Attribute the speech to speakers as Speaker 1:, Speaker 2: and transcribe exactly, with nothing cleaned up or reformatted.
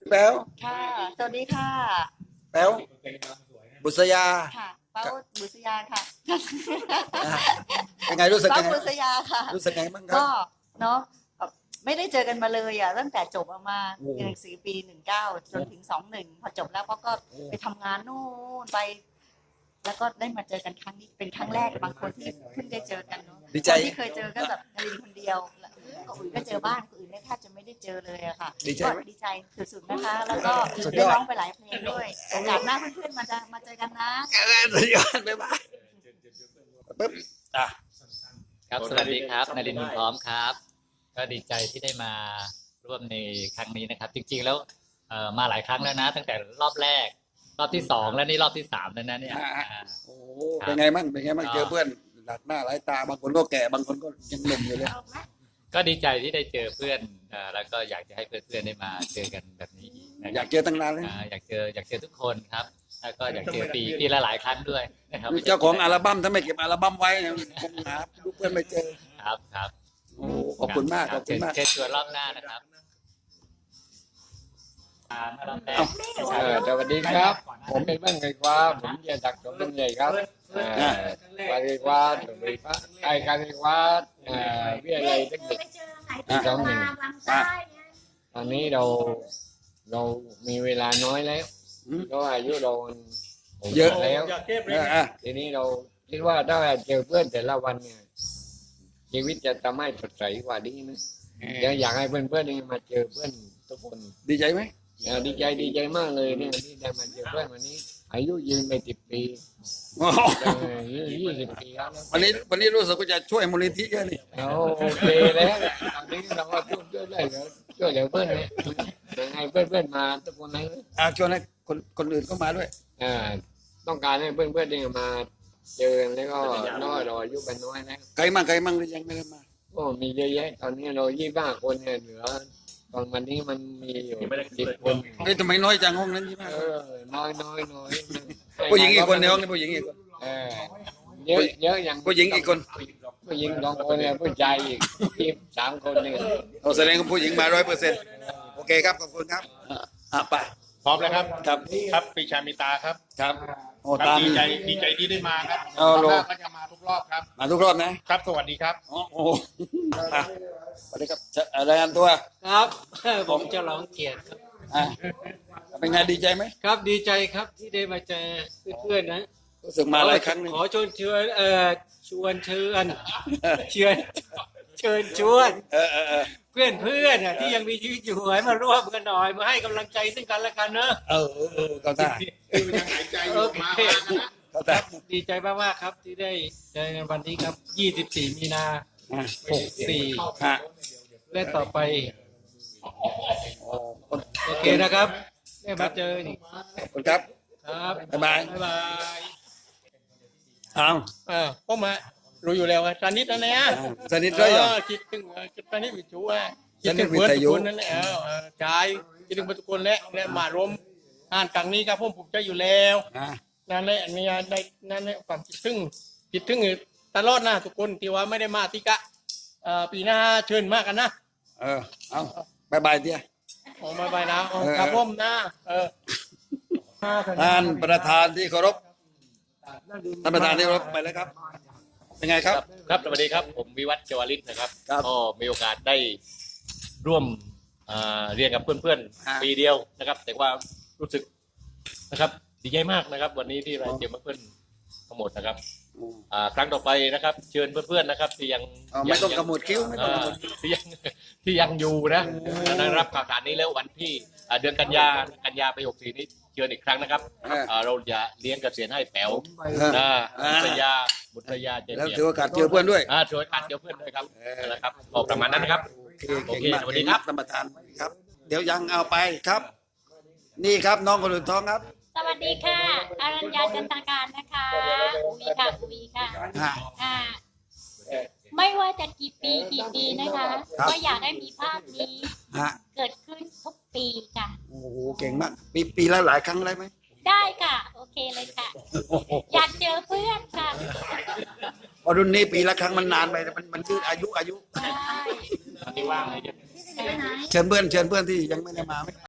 Speaker 1: แป๊ว
Speaker 2: ค่ะสวัสดีค่ะ
Speaker 1: แป๊วบุษยา
Speaker 2: ค่ะเป้าบุษยาค่ะ
Speaker 1: อ่ะเป็นไงรู้สึก
Speaker 2: เป้า
Speaker 1: ยังไง
Speaker 2: บุษยาค่ะ
Speaker 1: รู้สึกไงบ้างครับ
Speaker 2: ก็เนาะแบบไม่ได้เจอกันมาเลยอ่ะตั้งแต่จบออกมา
Speaker 1: โอ้
Speaker 2: เรียนหนังสือปีหนึ่งเก้าจนถึงสองหนึ่งพอจบแล้วก็ไปทำงานนู่นไป แล้วก็ได้มาเจอกันครั้งนี้เป็นครั้งแรกบางคนที่เพิ่งได้เจอกันเนาะ
Speaker 1: ดีใจ
Speaker 2: คนที่เคยเจอก็แบบนารินคนเดียวคนอื่นก็เจอบ้างคนอื่นเนี่ยแทบจะไม่ได้เจอเลยอะค่ะ
Speaker 1: ดีใจ
Speaker 2: ก็
Speaker 1: ไหม
Speaker 2: ดีใจสุดๆนะคะ แล้วก็
Speaker 1: สุดย
Speaker 2: ได้
Speaker 1: อด
Speaker 2: ร้องไปหลายเพลงด้วยโอกาสหน้าเพื่อนๆมาจะมาเจอกันนะ
Speaker 1: เออสุดยอดบ๊ายบายปึ๊บอ่ะ
Speaker 3: ครับสวัสดีครับนรินทร์พร้อมครับ ก็ดีใจที่ได้มาร่วมในครั้งนี้นะครับ จริงๆแล้วเอ่อมาหลายครั้งแล้วนะ ตั้งแต่รอบแรก รอบที่สองแล้วนี่รอบที่สามแล้วนะเนี่ย
Speaker 1: อ่ะ
Speaker 3: อ่า
Speaker 1: โอ้เป็นไงบ้างเป็นไงบ้าง
Speaker 3: ก็
Speaker 1: เจอเพื่อนหลักหน้าหลายตาบางคนก็แก่บางคนก็ยังหนุ่มอยู่เลย
Speaker 3: ก็ดีใจที่ได้เจอเพื่อนเอ่อแล้วก็อยากจะให้เพื่อนๆได้มาเจอกันแบบนี้อีกนะ
Speaker 1: อ
Speaker 3: ค
Speaker 1: ยา
Speaker 3: รับ
Speaker 1: กเจอตั้งนานแล้ว
Speaker 3: อ่าอยากเจออยากเจอทุกคนครับ แล้วก็อยากเจอปีปีละหลายครั้งด้วยนะครับ
Speaker 1: เจ้าของอัลบั้มถ้าไม่เก็บอัลบั้มไว้เนี่ยคงหาลูกเพื่อนไม่เจอ
Speaker 3: ครับครับ
Speaker 1: โอ้ขอบคุณมากขอบคุณมาก
Speaker 3: เชิญชวนรอบหน้านะครับอ่ามารอบแรก
Speaker 4: เออสวัสดีครับ ผมเป็นบ้านไก่ฟ้าผมเรียนจากสมเด็จใหญ่ครับเอ่อบ้านไก่ฟ้าสมเด็จฟ้าไก่การไก่ฟ้าเอ่อวิทยาลัยเทคนิคปีสองหนึ่งตอนนี้เราเรามีเวลาน้อยแล้ว
Speaker 1: อืม
Speaker 4: เพราะว่าอายุเราผม
Speaker 1: เยอะ
Speaker 4: แล้ว
Speaker 1: เอออ่ะ
Speaker 4: ทีนี้เราคิดว่าถ้าเจอเพื่อนแต่ละวันเนี่ยชีวิตจะทำให้สดใสกว่านี้นะเดี๋ยวอยากให้เพื่อนๆนี่มาเจอเพื่อนทุกคน
Speaker 1: ดีใจไหม
Speaker 4: อ่าดีใจดีใจมากเลยเนี่ยที่ได้มาเจอเพื่อนวันนี้ อายุยืนไปสิบปี
Speaker 1: อ๋อ
Speaker 4: เออยี่สิบปีแล้ว
Speaker 1: วันนี้วันนี้รู้สึกว่าจะช่วยมูลนิธิเยอะนี่
Speaker 4: เราโอเคแล้วตอนนี้เราก็ช่วยช่วยได้แล้วช่วยเหลือเพื่อนเนี่ยยังไงเพื่อนเพื่อนมาทุกคนเลย
Speaker 1: อ่ะชวนให้คนคนอื่นเข้ามาด้วย
Speaker 4: อ่าต้องการให้เพื่อนเพื่อนเนี่ยมาเจอแล้วก็น้อยเราอายุเป็นน้อยแล้ว
Speaker 1: ใครมั่งใครมั่งที่ยังไม่ได้มา
Speaker 4: ก็มีเยอะแยะตอนนี้เรายี่บ้าคนเนี่ยเหลือตอนวันนี้มันมีอยู่สิบคน
Speaker 1: เฮ้ยทำไมน้อยจังห้องนั้นยี่ห้า
Speaker 4: เออน้อยน้อยน้อย
Speaker 1: ผู้หญิงอีกคนในห้องนี้ผู้หญิงอีกคน
Speaker 4: เออเยอะเยอะอย่าง
Speaker 1: ผู้หญิงอีกคน
Speaker 4: ผู้หญิงสองคนเนี่ยผู้ชายอีกยี่สามคนเนี่ย
Speaker 1: เราแสดงว่าผู้หญิงมาร้อยเปอร์เซ็นต์โอเคครับขอบคุณครับอ่ะอ่ะไป
Speaker 5: พร้อมแล้วครับ
Speaker 1: ครับ
Speaker 5: ครับปรีชามิตาครับ
Speaker 1: ครับโอ้
Speaker 5: ครับ
Speaker 1: ตาม
Speaker 5: ดีใจดีใจที่ได้มาครับ
Speaker 1: เอา
Speaker 5: รอบ
Speaker 1: โล
Speaker 5: หน้าก็จะมาทุกรอบครับ
Speaker 1: มาทุกรอบนะครับ
Speaker 5: สวัสดีครับ
Speaker 1: อ๋อโอ้โหอ่ะสวัสดีครับจะอะไรายงานตัว
Speaker 6: ครับ ผมจะร้องเกียรติครับ
Speaker 1: อ่ะเป็นไงดีใจไหม
Speaker 6: ครับดีใจครับที่ได้มาเจอเพื่อนๆนะ
Speaker 1: รู้สึกมาหลายครั้งหนึง
Speaker 6: ขอชวนเชิญเอ่อชวนเชิญเชิญเชิญชวน
Speaker 1: เออเออเออ
Speaker 6: เพื่อนเพื่อนๆน่ะที่ยังมีชีวิตอยู่ให้มาร่วมกันหน่อยมาให้กำลังใจซึ่งกันและกันเนอะ
Speaker 1: เออเออเออเข้าท่า
Speaker 5: ยังหายใจอยู่มามากันนะ
Speaker 1: เข้าท่า
Speaker 6: ดีใจมากๆครับที่ได้เจอกันวันนี้ครับยี่สิบสี่มีนา
Speaker 1: อ่ะ
Speaker 6: หกสี่
Speaker 1: ฮะ
Speaker 6: และต่อไป
Speaker 1: โอ้คน
Speaker 6: โอเคนะครับ ได้มาเจออีก
Speaker 1: ขอบคุณครับ
Speaker 6: ครับ
Speaker 1: บ๊ายบาย
Speaker 6: บ๊ายบาย
Speaker 1: เอา
Speaker 5: เออพ่อมารู้อยู่แล้วว่าตอนนี้ตอนนี้
Speaker 1: อ่ะสนิทด้วยเหรอ
Speaker 5: คิดถึงตอนนี้วิจูอ่ะ
Speaker 1: ตอนนี้
Speaker 5: คิดถึงเพื่อน
Speaker 1: วิทยุ
Speaker 5: ทุกคนนั่นแหละเออเออใช่คิดถึงเพื่อนทุกคนและและมารวมงานครั้งนี้ครับผมผมจะอยู่แล้ว
Speaker 1: อ่ะ
Speaker 5: นั่นแหละอันนี้ได้นั่นแหละความคิดถึงคิดถึงตลอดนะทุกคนที่ว่าไม่ได้มาที่กะเอ่อปีหน้าเชิญมากกันนะ
Speaker 1: เออเอาบายบายเดีย
Speaker 5: ออกมาไปนะ
Speaker 1: เออ
Speaker 5: ครับผมนะเออ
Speaker 1: ท่านประธานที่เคารพท่านประธานที่เคารพไปแล้วครับ เป็นไงครับ
Speaker 3: ครับสวัสดีครับผมวิวัฒน์เจวริศนะครับ
Speaker 1: ครับ
Speaker 3: ก็มีโอกาสได้ร่วมอ่าเรียนกับเพื่อน
Speaker 1: ฮะ
Speaker 3: ๆปีเดียวนะครับ แต่ว่ารู้สึกนะครับดีใจมากนะครับ วันนี้ที่เราเจอเพื่อนๆทั้งหมดนะครับอ่าครั้งต่อไปนะครับ เชิญเพื่อนๆนะครับ ที่ยัง
Speaker 1: เอาไม่ต้อง
Speaker 3: ยั
Speaker 1: กระหมวดคิ้วไม่ต้องกระหมวด
Speaker 3: อ่าที่ยังที่ยังอยู่นะได้รับข่าวสารนี้แล้ววันที่อ่าเดือนกันยากันยาไปหกสี่นี้เชิญอีกครั้งนะครับ
Speaker 1: อ่า
Speaker 3: อ่าเราจะเลี้ยงเกษียณให้แป๋ว
Speaker 1: เออ
Speaker 3: นะ
Speaker 1: อ่า
Speaker 3: บุตรยาบุตรยาเจ
Speaker 1: แล้ว
Speaker 3: เนีย
Speaker 1: ถือโอกาสเจอเพื่อนด้วย
Speaker 3: อ่าช่วยกันเดี๋ยวเพื่อนด้วยครับ
Speaker 1: เออ
Speaker 3: นะครับออกประมาณนั้นนะครับ
Speaker 1: โอเคเก่งมาก
Speaker 3: โอเคสวัสดีครับ
Speaker 1: ท่านประธานครับ เดี๋ยวยังเอาไปครับ นี่ครับน้องคนอื่นท้องครับ
Speaker 7: สวัสดีค่ะอารัญญาจันตาการนะคะอุวีค่ะอุวีค่ะ
Speaker 1: ฮะ
Speaker 7: อ่าไม่ว่าจะกี่ปีกี่ปีนะคะ
Speaker 1: ครับ
Speaker 7: ก็อยากให้มีภาพนี้
Speaker 1: ฮะ
Speaker 7: เกิดขึ้นทุกปีค่ะ
Speaker 1: โอ้โหเก่งมากปีปีละหลายครั้งได้ไหม
Speaker 7: ได้ค่ะ โอเคเลยค่ะ อยากเจอเพื่อนค่ะ
Speaker 1: พอรุ่นนี้ปีละครั้งมันนานไปมันมันยืดอายุอายุ
Speaker 7: ใช่
Speaker 3: ที่ว่างเลย
Speaker 1: เชิญเพื่อนเชิญเพื่อนที่ยังไม่ได้มาไหม